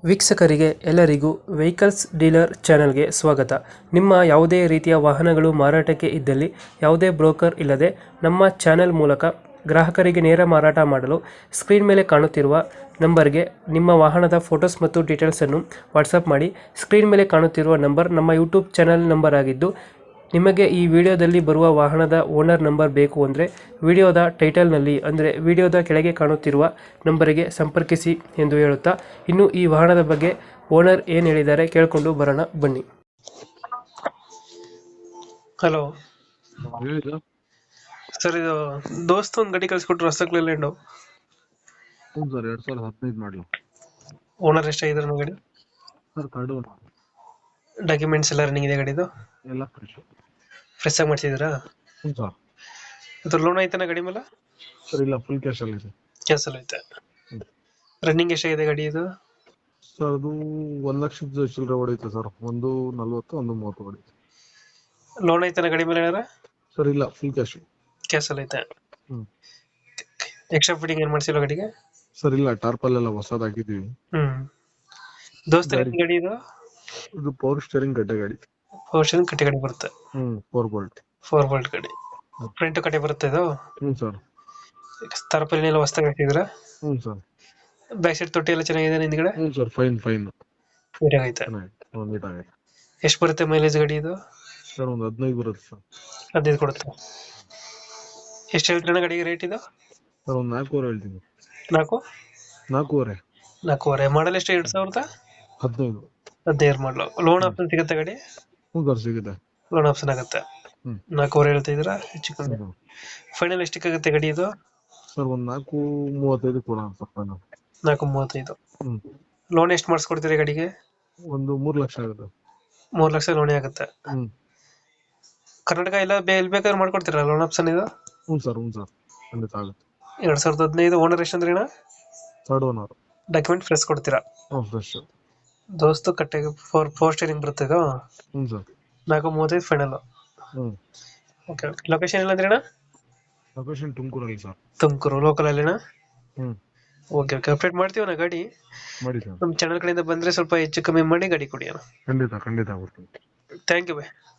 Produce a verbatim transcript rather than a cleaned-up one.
ವೀಕ್ಷಕರಿಗೆ ಎಲ್ಲರಿಗೂ vehicles dealer ಚಾನೆಲ್ಗೆ ಸ್ವಾಗತ. ನಿಮ್ಮ ಯಾವುದೇ ರೀತಿಯ ವಾಹನಗಳು ಮಾರಾಟಕ್ಕೆ ಇದ್ದಲ್ಲಿ ಯಾವುದೇ ಬ್ರೋಕರ್ ಇಲ್ಲದೆ ನಮ್ಮ ಚಾನೆಲ್ ಮೂಲಕ ಗ್ರಾಹಕರಿಗೆ ನೇರ ಮಾರಾಟ ಮಾಡಲು ಸ್ಕ್ರೀನ್ ಮೇಲೆ ಕಾಣುತ್ತಿರುವ ನಂಬರ್ಗೆ ನಿಮ್ಮ ವಾಹನದ ಫೋಟೋಸ್ ಮತ್ತು ಡೀಟೇಲ್ಸನ್ನು ವಾಟ್ಸಪ್ ಮಾಡಿ. ಸ್ಕ್ರೀನ್ ಮೇಲೆ ಕಾಣುತ್ತಿರುವ ನಂಬರ್ ನಮ್ಮ ಯೂಟ್ಯೂಬ್ ಚಾನೆಲ್ ನಂಬರ್ ಆಗಿದ್ದು, ನಿಮಗೆ ಈ ವಿಡಿಯೋದಲ್ಲಿ ಬರುವ ವಾಹನದ ಓನರ್ ನಂಬರ್ ಬೇಕು ಅಂದರೆ ವಿಡಿಯೋದ ಟೈಟಲ್ನಲ್ಲಿ ಅಂದರೆ ವಿಡಿಯೋದ ಕೆಳಗೆ ಕಾಣುತ್ತಿರುವ ನಂಬರಿಗೆ ಸಂಪರ್ಕಿಸಿ ಎಂದು ಹೇಳುತ್ತಾ, ಇನ್ನು ಈ ವಾಹನದ ಬಗ್ಗೆ ಓನರ್ ಏನು ಹೇಳಿದ್ದಾರೆ ಕೇಳಿಕೊಂಡು ಬರೋಣ ಬನ್ನಿ. ಹಲೋ ಹೇಳಿದ ಸರ್, ಇದು ದೋಸ್ತ ಒಂದು ಗಾಡಿ ಕಳಿಸ್ಕೊಟ್ರು ರಸಕ್ಲೆಲ್ಯಾಂಡು. ಹ್ಞೂ ಸರ್, ಎರಡ್ ಸಾವಿರದ ಹದಿನೈದು ಮಾಡಲು. ಓನರ್ ಎಷ್ಟಾಗಿದ್ದಾರೆ ನಮ್ಮ ಗಾಡಿ? ಸರ್ ಕಡು ಡಾಕ್ಯುಮೆಂಟ್ಸ್ ಎಲ್ಲ ರನ್ನಿಂಗ್ ಇದೆ ಗಾಡಿದು? ಎಲ್ಲ ಫ್ರೆಶ್. ಫ್ರೆಶ್ ಆಗಿ ಮಾಡಿಸಿದ್ರಾ? ಹ್ಞೂ ಸರ್. ಅದು ಲೋನ್ ಆಯ್ತಾನ ಗಾಡಿ ಮೇಲೆ? ಸರ್ ಇಲ್ಲ, ಫುಲ್ ಕ್ಯಾಶ್ ಅಲ್ಲಿ ಇದೆ. ಕ್ಯಾನ್ಸಲ್ ಐತೆ. ರನ್ನಿಂಗ್ ಎಷ್ಟಾಗಿದೆ ಗಾಡಿ ಇದು? ಸರ್ ಅದು ಒಂದ್ ಲಕ್ಷದ ಚಿಲ್ಲರೆ ಹೊಡೆಯುತ್ತೆ ಸರ್. ಒಂದು ನಲ್ವತ್ತು ಒಂದು ಮೂವತ್ತು ಹೊಡೆಯುತ್ತೆ. ಲೋನ್ ಆಯ್ತಾನ ಗಾಡಿ ಮೇಲೆ ಏನಾರ? ಸರ್ ಇಲ್ಲ, ಫುಲ್ ಕ್ಯಾಶ್. ಕ್ಯಾನ್ಸಲ್ ಐತೆ. ಹ್ಮ್ ಎಕ್ಸ್ಟ್ರಾ ಫಿಟ್ಟಿಂಗ್ ಏನು ಮಾಡಿಸಿಲ್ಲ ಗಾಡಿಗೆ? ಸರ್ ಇಲ್ಲ, ಟಾರ್ಪಲ್ ಎಲ್ಲ ಹೊಸದ್ ಹಾಕಿದೀವಿ. ಹ್ಮ್ ದೋಸ್ತ ಗಾಡಿ- ಗಾಡಿ ಇದು ಇದು ಪವರ್ ಸ್ಟೇರಿಂಗ್ ಗಡ್ಡೆ ಗಾಡಿ. ಪೋರ್ಷನ್ ಕಟ್ಟಿ ಗಾಡಿ ಬರುತ್ತೆ. ಹ್ಮ್ ಫೋರ್ ಬೋಲ್ಟ್. ಫೋರ್ ಬೋಲ್ಟ್ ಗಾಡಿ. ಫ್ರಂಟ್ ಕಟ್ಟಿ ಬರುತ್ತೆ ಇದು. ಹ್ಞೂ ಸರ್. ತರಪಲ್ಲಿ ಎಲ್ಲ ಹೊಸ್ದಾಗಿ ಹಾಕಿದ್ರ? ಹ್ಞೂ ಸರ್. ಬ್ಯಾಕ್ ಸೈಡ್ ತೊಟ್ಟಿ ಎಲ್ಲ ಚೆನ್ನಾಗಿದೆ ಹಿಂದ್ಗಡೆ? ಹ್ಞೂ ಸರ್, ಫೈನ್ ಫೈನ್ ನೀಟಾಗೈತೆ. ಒಂದು ನೀಟ್ ಆಗಿದೆ. ಎಷ್ಟು ಬರುತ್ತೆ ಮೈಲೇಜ್ ಗಾಡಿ ಇದು? ಸರ್ ಒಂದು ಹದಿನೈದು ಬರುತ್ತೆ ಸರ್. ಹದಿನೈದು ಕೊಡುತ್ತೆ. ಎಷ್ಟು ಹೇಳ್ತೀರಣ್ಣ ಗಾಡಿಗೆ ರೇಟ್ ಇದು? ಸರ್ ಒಂದು ನಾಲ್ಕೂವರೆ ಹೇಳ್ತೀನಿ. ನಾಲ್ಕು ನಾಲ್ಕೂವರೆ. ನಾಲ್ಕೂವರೆ. ಮಾಡಲ್ ಎಷ್ಟು? ಎರಡು ಸಾವಿರದ ಹದಿನೈದು. ಹದಿನೈದು ಮಾಡಲು. ಲೋನ್ ಆಪ್ಷನ್ ಸಿಗುತ್ತೆ ಗಾಡಿ? ಹ್ಞೂ ಸರ್, ಸಿಗುತ್ತೆ. ಲೋನ್ ಆಪ್ಷನ್ ಆಗುತ್ತೆ. ಹ್ಮ್. ನಾಲ್ಕೂವರೆ ಹೇಳ್ತಾ ಇದ್ದೀರಾ? ಹೆಚ್ಚು ಕಮ್ಮಿ. ಹ್ಮ್. ಫೈನಲ್ ಎಷ್ಟಕ್ಕಾಗುತ್ತೆ ಗಾಡಿ ಇದು? ಸರ್ ಒಂದ್ ನಾಲ್ಕು ಮೂವತ್ತೈದು ಕೊಡೋಣ ಸ್ವಲ್ಪ ನಾವು. ನಾಲ್ಕು ಮೂವತ್ತೈದು. ಹ್ಮ್ ಲೋನ್ ಎಷ್ಟು ಮಾಡಿಸ್ಕೊಡ್ತೀರಿ ಗಾಡಿಗೆ? ಒಂದು ಮೂರ್ ಲಕ್ಷ ಆಗುತ್ತೆ. ಮೂರು ಲಕ್ಷ ಲೋನೇ ಆಗುತ್ತೆ. ಹ್ಮ್ ಕರ್ನಾಟಕ ಎಲ್ಲ ಬೇ ಎಲ್ಲಿ ಬೇಕಾದ್ರೆ ಮಾಡ್ಕೊಡ್ತೀರಾ ಲೋನ್ ಆಪ್ಷನ್ ಇದು? ಹ್ಞೂ ಸರ್, ಹ್ಞೂ ಸರ್, ಖಂಡಿತ ಆಗುತ್ತೆ. ಎರಡ್ ಸಾವಿರದ ಹದಿನೈದು. ಓನರ್ ಎಷ್ಟು ಅಂದ್ರೆ ಅಣ್ಣ? Third owner. ಡಾಕ್ಯುಮೆಂಟ್ ಫ್ರೆಶ್ ಕೊಡ್ತೀರಾ? ಹ್ಞೂ ಫ್ರೆಶ್. ದೋಸ್ತು ಕಟ್ಟೆಗೆ ಫೋರ್ ಫೋರ್ ಸ್ಟೇರಿಂಗ್ ಬರುತ್ತೆ ಇದು? ಹ್ಞೂ ಸರ್. ನಾಲ್ಕು ಮೂವತ್ತೈದು ಫೈನಲ್. ಹ್ಞೂ ಓಕೆ. ಲೊಕೇಶನ್ ಎಲ್ಲ ಅಂದ್ರೆ ಅಣ್ಣ? ಲೊಕೇಶನ್ ತುಮಕೂರಲ್ಲಿ ಸರ್. ತುಮಕೂರು ಲೋಕಲ್ ಅಲ್ಲಿನ? ಹ್ಞೂ ಓಕೆ ಓಕೆ. ಅಪ್ಡೇಟ್ ಮಾಡ್ತೀವಿ ನಾ ಗಾಡಿ. ಮಾಡಿ ಸರ್. ನಮ್ಮ ಚಾನಲ್ ಕಡೆಯಿಂದ ಬಂದ್ರೆ ಸ್ವಲ್ಪ ಹೆಚ್ಚು ಕಮ್ಮಿ ಮಾಡಿ ಗಾಡಿ ಕೊಡಿ ಅಣ್ಣ. ಖಂಡಿತ ಖಂಡಿತ ಆಗುತ್ತೆ. Thank you by.